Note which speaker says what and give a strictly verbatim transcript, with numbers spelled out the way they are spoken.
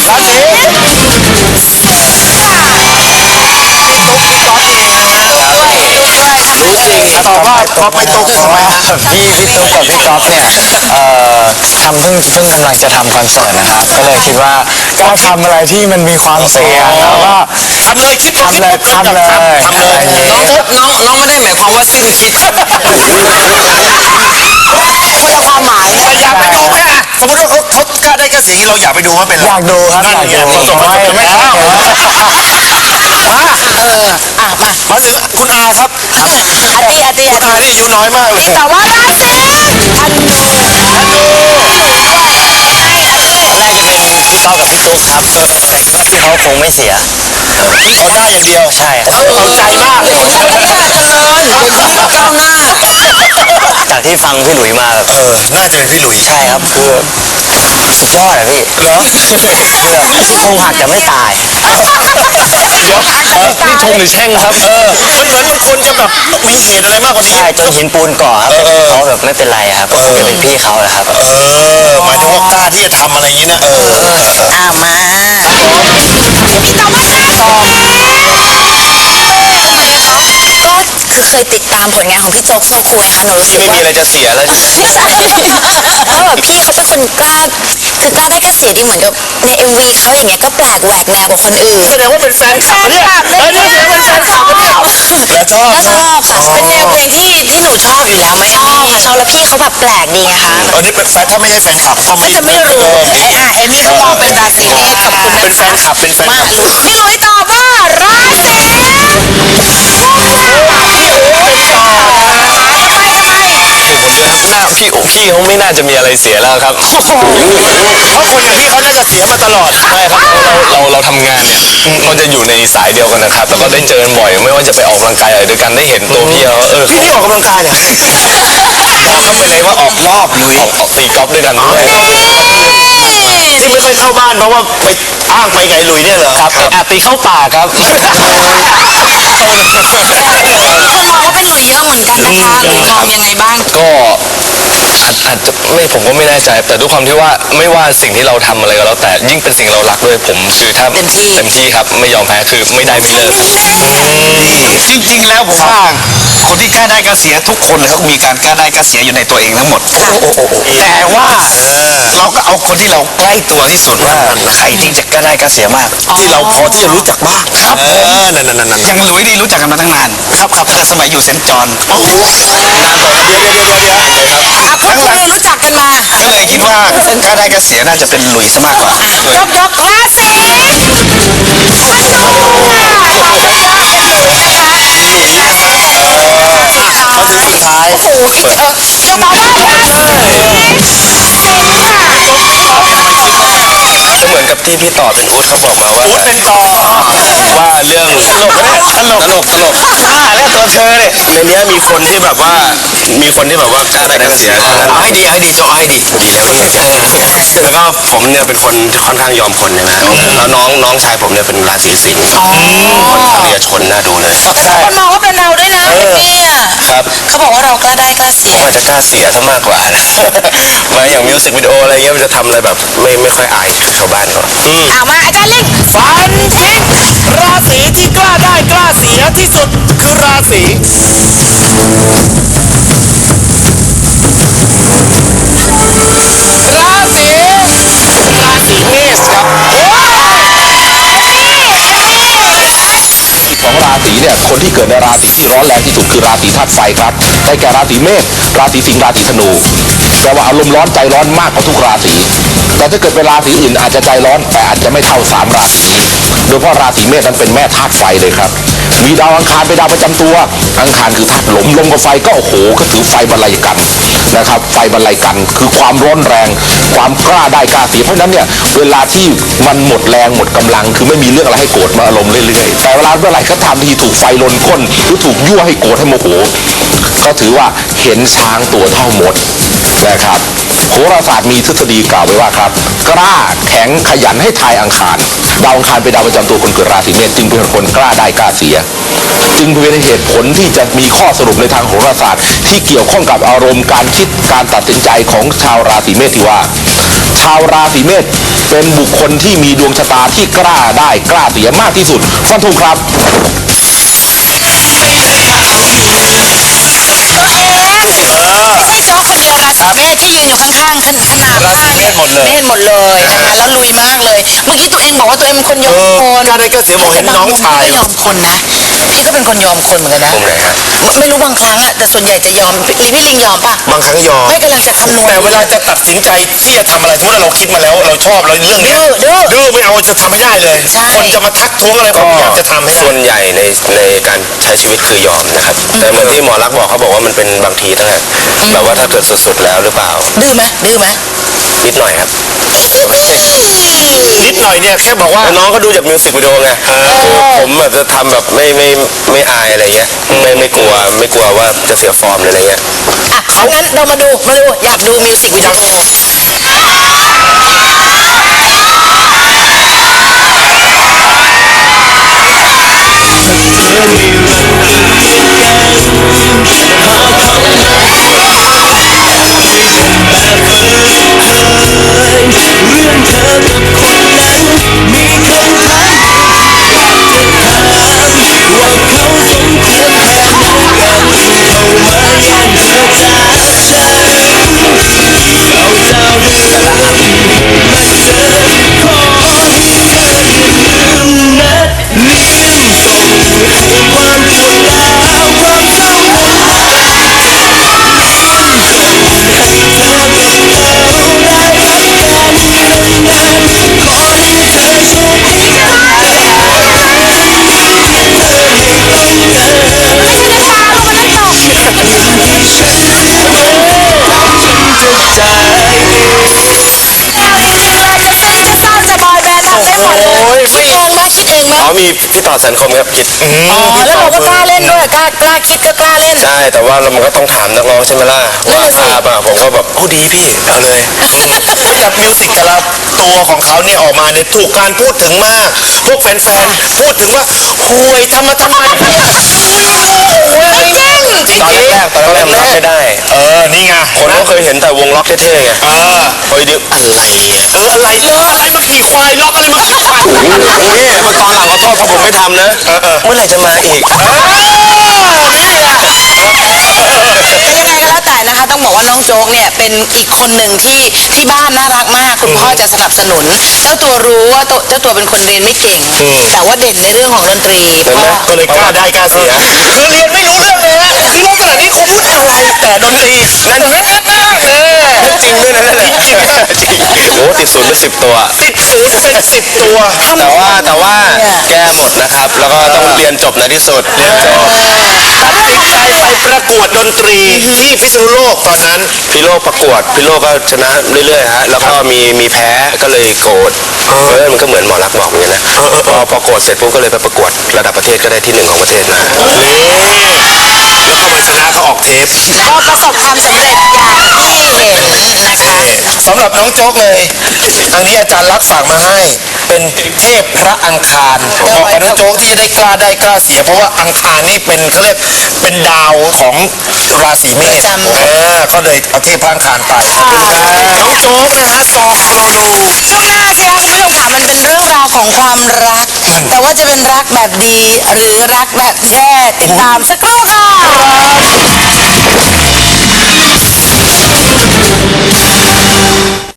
Speaker 1: ราศีรู้จริงตอบว่าพอไปตุ๊กทำไมพี่พี่ตุ๊กกับพี่ก๊อฟเนี่ยเอ่อทำเพิ่งเพิ่งกำลังจะทำคอนเสิร์ตนะครับก็เลยคิดว่าก็ทำอะไรที่มันมีความเสี่ยงแล้วก็
Speaker 2: ทำเลยคิด
Speaker 1: ทำเลยทำเลย
Speaker 2: ทำเลยน้องน้องน้องไม่ได้หมายความว่าสิ้นคิดคนละความหมายแต่อยากไปดูแค่สมมติว่าเขาเขากล้าได้กระเสียงเราอยากไปดูว่าเป็น
Speaker 1: อยากดูครับอยากดู
Speaker 2: ส่งมาส่งไม่แล้วมาเอออ่ะมามาถึงคุณอาครับอาตีอาตีคุณอานี่อายุน้อยมากเลย
Speaker 3: แต่ว่าราศีธนูธนู
Speaker 1: น่าจะเป็นพี่ก๊อฟกับพี่ตุ๊กครับแต่คิดว่าพี่เขาคงไม่เสีย
Speaker 2: เขาได้อย่างเดียว
Speaker 1: ใช่
Speaker 2: เขาเอาใจมากเลย
Speaker 3: เจริญก้าวหน้า
Speaker 1: จากที่ฟังพี่หลุยมา
Speaker 2: เออน่าจะเป็นพี่หลุย
Speaker 1: ใช่ครับคือสุดยอดอะพี่
Speaker 2: เหรอ
Speaker 1: คือแบบคงหักแต่ไม่ตาย
Speaker 2: เดี๋ยวนี่ชมหรือแช่งครับเออมันเหมือนมันควรจะแบบมีเหตุอะไรมากกว่านี้
Speaker 1: ใช่จนหินปูนก่อครับเขาแบบไม่เป็นไรครับก็คงจะเป็นพี่เขาแหละครับ
Speaker 2: เออหมายถึงว่ากล้าที่จะทำอะไรอย่างนี้นะเออ
Speaker 3: อ้าวมาพี่ตอบว่าราศีทำไมคะก็คือเคยติดตามผลงานของพี่โจ๊กโซคูนะคะหนูรู้สึก
Speaker 2: ว่าไม่มีอะไรจะเสียแล้ว
Speaker 3: ใช่เพราะแบบพี่เขาเป็นคนกล้าคือกล้าได้ก็เสียดีเหมือนกับใน เอ็ม วี เขาอย่างเงี้ยก็แปลกแหวกแนวกว่าคนอื่น
Speaker 2: แสดงว่าเป็นแฟนคลับเนี่ยเออนี่แสดงว่าเป็นแฟนคลับเนี่ยแล้วชอบ
Speaker 3: ก็ชอบค่ะเป็นแนวเพลงที่ที่หนูชอบอยู่แล้วไหมชอบค่ะชอบแล้วพี่เขาแบบแปลกดีไงคะ
Speaker 2: ตอนนี้เป็นแฟนถ้าไม่ใช่แฟนคลับก็ไม่
Speaker 3: จะไม่รู้ไอ้อ่ะเอมี่ก็มองเป็นราศีนี้ขอบคุณ
Speaker 2: เป็นแฟนคลับเป็นแฟนคลับ
Speaker 3: พี่หลุยตอบว่าราศี
Speaker 2: หน้าพี่พี่เขาไม่น่าจะมีอะไรเสียแล้วครับเพราะคนอย่างพี่เขาน่าจะเสียมาตลอดใช่ครับเราเราเราทำงานเนี่ยก็จะอยู่ในสายเดียวกันนะครับแล้วก็ได้เจอกันบ่อยไม่ว่าจะไปออกกำลังกายอะไรด้วยกันได้เห็นตัวพี่เขาเออพี่ที่ออกกำลังกายเนี่ยเขาไปเลยว่าออกรอบลุยออกออกตีกอล์ฟด้วยกันด้วยที่ไม่ค่อยเข้าบ้านเพราะว่าไปอ้างไปไงลุยเนี่ยเหรอครับแอบตีเข้าป่าครับ
Speaker 3: คนมองว่าเป็นหลุยเยอะเหมือนกันนะคะหลุยมองยังไงบ้าง
Speaker 2: ก็อาจอาจจะไม่ผมก็ไม่แน่ใจแต่ด้วยความที่ว่าไม่ว่าสิ่งที่เราทำอะไรก็แล้วแต่ยิ่งเป็นสิ่งเรารักด้วยผมคือถ้าเต็มที่เต็มที่ครับไม่ยอมแพ้คือไม่ได้ไม่เลิกจริงๆแล้วผมว่าคนที่กล้าได้กล้าเสียทุกคนเขามีการกล้าได้กล้าเสียอยู่ในตัวเองทั้งหมดแต่ว่าเราก็เอาคนที่เราใกล้ตัวที่สุดว่าใครที่จะกล้าได้กล้าเสียมากที่เราพอที่จะรู้จักบ้างครับเออนั่นนั่นนั่นอย่างหลุยนี่รู้จักกันมาตั้งนานครับครับแต่สมัยอยู่เซนต์จอห์นนานกว่าเดี๋ยวเดี๋ยวเดี๋ยวเดี๋ยวเดี๋ยวครับ
Speaker 3: อ่ะพูดคุยรู้จักกันมา
Speaker 2: ก็เลยคิดว่ากล้าได้กล้าเสียน่าจะเป็นหลุยซะมากกว่าย
Speaker 3: กยกราศีธนู
Speaker 2: เขาถึงสุดท้าย
Speaker 3: โอ้โหจะตอบว่าราศีสิงห์
Speaker 2: ก็เหมือนกับที่พี่ต่อเป็นอู๊ดเขาบอกมาว่าอู๊ดเป็นต่อว่าเรื่องตลกตลกตลกตลกอ่าแล้วตัวเธอเนี่ยในนี้มีคนที่แบบว่ามีคนที่แบบว่ากล้าได้กล้าเสียเอาให้ดีให้ดีโจให้ดีดีแล้วแล้วก็ผมเนี่ยเป็นคนค่อนข้างยอมคนใช่ไหมแล้วน้องน้องชายผมเนี่ยเป็นราศีสิงห์คนทางเรือชนน่าดูเลย
Speaker 3: คนมองว่าเป็นเราด้วยนะเนี่ย
Speaker 2: ครับ
Speaker 3: เขาบอกว่าเรากล้าได้กล้าเสีย
Speaker 2: ว่าจะกล้าเสียซะมากกว่านะมาอย่างมิวสิกวิดีโออะไรเงี้ยมันจะทำอะไรแบบไม่ไม่ค่อยอายชาวบ้านเขา
Speaker 3: เอามาอาจารย์ลิง
Speaker 4: ฟันทิ้งราศีที่กล้าได้กล้าเสียที่สุดคือราศีราศีราศีเมษครับ
Speaker 5: ของราศีเนี่ยคนที่เกิดในราศีที่ร้อนแรงที่สุดคือราศีธาตุไฟครับได้แก่ราศีเมษราศีสิงห์ราศีธนูแปลว่าอารมณ์ร้อนใจร้อนมากกว่าทุกราศีแต่ถ้าเกิดเป็นราศีอื่นอาจจะใจร้อนแต่อาจจะไม่เท่าสามราศีนี้โดยเฉพาะราศีเมษนั้นเป็นแม่ธาตุไฟเลยครับมีดาวอังคารเป็นดาวประจำตัวอังคารคือธาตุลมลมกับไฟก็โอ้โหก็ถือไฟบรรลัยกันนะครับไฟบรรลัยกันคือความร้อนแรงความกล้าได้กล้าเสียเพราะนั้นเนี่ยเวลาที่มันหมดแรงหมดกำลังคือไม่มีเรื่องอะไรให้โกรธมาอารมณ์เรื่อยๆแต่เวลาเมื่อไหร่ก็ทำที่ถูกไฟลนก้นหรือถูกยั่วให้โกรธให้โมโหก็ถือว่าเห็นช้างตัวเท่ามดนะครับโหราศาสตร์มีทฤษฎีกล่าวไว้ว่าครับกล้าแข็งขยันให้ทายอังคารดาวอังคารเป็นดาวประจำตัวคนเกิดราศีเมษจึงเป็นคนกล้าได้กล้าเสียจึงเป็นเหตุผลที่จะมีข้อสรุปในทางโหราศาสตร์ที่เกี่ยวข้องกับอารมณ์การคิดการตัดสินใจของชาวราศีเมษที่ว่าชาวราศีเมษเป็นบุคคลที่มีดวงชะตาที่กล้าได้กล้าเสียมากที่สุดฟันธงครับ
Speaker 3: ไม่ใช่โจ๊กคนเดียวราศีเมษที่ยืนอยู่ข้างๆขนขนาด
Speaker 2: ราศีเมษหมดเลย
Speaker 3: เมษหมดเลยนะคะแล้วลุยมากเลย เมื่อกี้ตัวเองบอกว่าตัวเองเป็นคนยอมคน
Speaker 4: กล้าได้กล้าเสียบอกเห็นน้องชาย
Speaker 3: แต่บงมุมก็ยอมคนนะพี่ก็เป็นคนยอมคนเหมือนกันนะ
Speaker 2: มุมไหนฮะ
Speaker 3: ไม่ไม่รู้บางครั้งอะแต่ส่วนใหญ่จะยอมอีพี่ลิงยอมป่ะ
Speaker 4: บางครั้งยอม
Speaker 3: ไม่กำลังจะคำนวณ
Speaker 4: แต่เวลาจะตัดสินใจที่จะทำอะไรสมมติว่าเราคิดมาแล้วเราชอบเราเรื่องเนี้ย
Speaker 3: ดื้อดื้อ
Speaker 4: ดื้อไม่เอาจะทำไม่ได้เลย
Speaker 3: ใช่
Speaker 4: คนจะมาทักท้วงอะไรผมอยากจะทำให้ได้
Speaker 2: ส่วนใหญ่ในในการใช้ชีวิตคือยอมนะครับ แต่เหมือนที่หมอรักษณ์บอกเขาบอกว่ามันเป็นบางทีตั้งแต่แบบว่าถ้าเกิดสุดๆแล้วหรือเปล่า
Speaker 3: ดื้อไหมดื้อไหม
Speaker 2: นิดหน่อยครับ
Speaker 4: นิดหน่อยเนี่ยแค่บอกว่า
Speaker 2: แล้วน้องก็ดูจากมิวสิกวิดีโอไงคือผมแบบจะทำแบบไม่ไม่ไม่อายอะไรเงี้ยไม่ไม่กลัวไม่กลัวว่าจะเสียฟอร์มหรืออะไรเงี้ย
Speaker 3: อ่ะเขางั้นเรามาดูมาดูอยากดูมิวสิกวิดีโอ
Speaker 4: โอ้ย
Speaker 3: คิดเองไหมคิดเองไหม
Speaker 2: อ๋อมีพี่ต่อสันคมครับคิด
Speaker 3: อ๋อแล้วเราก็กล้าเล่นด้วยกล้ากล้าคิดก็กล้าเล่น
Speaker 2: ใช่แต่ว่าเรามันก็ต้องถามนักร้องใช่ไหมล่ะ
Speaker 3: นั่
Speaker 2: ว่าน
Speaker 3: น่ะสิ
Speaker 2: ภาพอ่ะผมก็แบบโอ้ดีพี่เอาเลย
Speaker 4: กับมิวสิกแต่ละตัวของเขาเนี่ยออกมาเนี่ยถูกการพูดถึงมาก พวกแฟนๆพูดถึงว่าห่วยทำมาทำไมเนี่ยห่วยจริงจริง
Speaker 2: ตอนแรกๆตอนแรกๆรับไม่ได้
Speaker 4: เออนี่ไง
Speaker 2: คนก็เคยเห็นแต่วงล็อกเท่ๆไง
Speaker 4: เออ
Speaker 2: พอดีอะไรอ่ะ
Speaker 4: เอออะไรอะไรมาขี่ควายล็อกอะไรมาขี่ควาย
Speaker 2: นี่มาตอนหลังขอโทษเพราะผมไม่ทำนะเมื่อไหร่จะมาอีก
Speaker 3: แต่ยังไงก็แล้วแต่นะคะต้องบอกว่าน้องโจ๊กเนี่ยเป็นอีกคนหนึ่งที่ที่บ้านน่ารักมากคุณพ่อจะสนับสนุน เจ้าตัวรู้ว่าตัวเจ้าตัวเป็นคนเรียนไม่เก่ง แต่ว่าเด่นในเรื่องของดนตรีพ่อ
Speaker 4: ก็เลยกล้าได้กล้าเสียคือเรียนไม่รู้เรื่องเลยนะคือลักษณะนี้คงพูดอะไรแต่ดนตรีนั่นแน่แน่แน่
Speaker 2: จริงด้วยนะนั่นแหละ
Speaker 4: จริง
Speaker 2: จริงโอ้ติดศูนย์เป็นสิบตัว
Speaker 4: ติดศูนย์เป็นสิบตัว
Speaker 2: แต่ว่าแต่ว่าแก้หมดนะครับ แล้วก็ต้องเรียนจบในที่สุดเรียนจบ
Speaker 4: ตัดสินใจไปประกวดดนตรีที่พิษณุโลกตอนนั้น
Speaker 2: พี่โลกประกวดพี่โลกก็ชนะเรื่อยๆฮะแล้วก็มีมีแพ้ก็เลยโกรธเออมันก็เหมือนหมอรักษณ์บอกเหมือนกันนะพอพอโกรธเสร็จปุ๊บก็เลยไปประกวดระดับประเทศก็ได้ที่หนึ่งของประเทศมา
Speaker 4: นี่แล้วก็มาชนะเขาออกเทป
Speaker 3: ก็ประสบความสำเร็จอย่างที่เห็นนะคะ
Speaker 4: สำหรับน้องโจ๊กเลยทางนี้อาจารย์รักษณ์ฝากมาให้เป็นเทพพระอังคารเหมาะกับน้องโจ๊กที่จะได้กล้าได้กล้าเสีย เพราะว่าอังคารนี่เป็นเขาเรียกเป็นดาวของราศีเมษ
Speaker 3: ประจำ
Speaker 4: เออก็เลยเอาเทพพระอังคารไปน้องโจ๊กนะฮะซองโคโลนู
Speaker 3: ช่วงหน้าสิคะคุณผู้ชมค่ะมันเป็นเรื่องราวของความรัก แต่ว่าจะเป็นรักแบบดีหรือรักแบบแย่ติดตามสักครู่ค่ะ